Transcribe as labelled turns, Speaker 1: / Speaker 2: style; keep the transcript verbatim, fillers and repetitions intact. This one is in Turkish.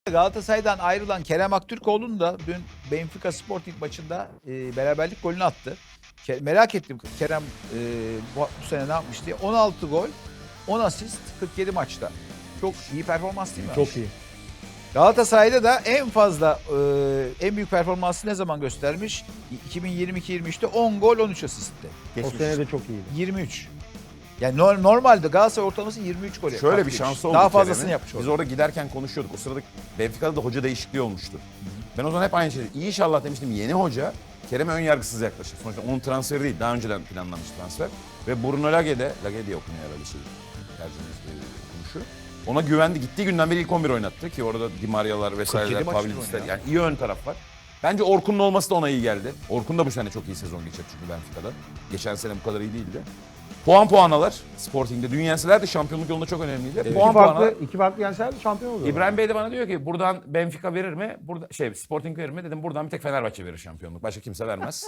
Speaker 1: Galatasaray'dan ayrılan Kerem Aktürkoğlu'nun da dün Benfica Sporting maçında e, beraberlik golünü attı. Ke- merak ettim Kerem e, bu, bu sene ne yapmış diye. on altı gol, on asist, kırk yedi maçta. Çok iyi performans değil mi?
Speaker 2: Çok iyi.
Speaker 1: Galatasaray'da da en fazla e, en büyük performansı ne zaman göstermiş? iki bin yirmi iki yirmi üçte on gol, on üç asistti.
Speaker 2: O sene de çok iyiydi.
Speaker 1: yirmi üç. Yani no- normalde Galatasaray ortalaması yirmi üç gol.
Speaker 3: Şöyle bir
Speaker 1: katkıymış.
Speaker 3: şansı oldu
Speaker 1: Daha fazlasını
Speaker 3: Kerem'in.
Speaker 1: yapmış
Speaker 3: Biz
Speaker 1: oldu.
Speaker 3: orada giderken konuşuyorduk. O sırada Benfica'da da hoca değişikliği olmuştu. Ben o zaman hep aynı şeyi. İnşallah demiştim yeni hoca Kerem'e ön yargısız yaklaşır. Sonuçta onun transferi değil. Daha önceden planlanmış transfer. Ve Bruno Lage de, Lage diye okunuyor herhalde şey. Tercihimiz konuşu. Ona güvendi. Gittiği günden beri ilk on bir oynattı ki orada Di Maria'lar vesaireler,
Speaker 1: kırk yedi maçtır
Speaker 3: Pavlidis'ler.
Speaker 1: oynuyor.
Speaker 3: Yani iyi ön taraf var. Bence Orkun'un olması da ona iyi geldi. Orkun da bu sene çok iyi sezon geçecek çünkü Benfica'da. Geçen sene bu kadar iyi değildi. Puan puanalar Sporting'de. Dün yenseler de şampiyonluk yolunda çok önemliydi.
Speaker 2: İki
Speaker 3: Puan
Speaker 2: farklı,
Speaker 3: puanalar.
Speaker 2: iki farklı yenseler şampiyon oluyor.
Speaker 3: İbrahim Bey de bana diyor ki buradan Benfica verir mi? Burada şey Sporting verir mi? Dedim buradan bir tek Fenerbahçe verir şampiyonluk. Başka kimse vermez.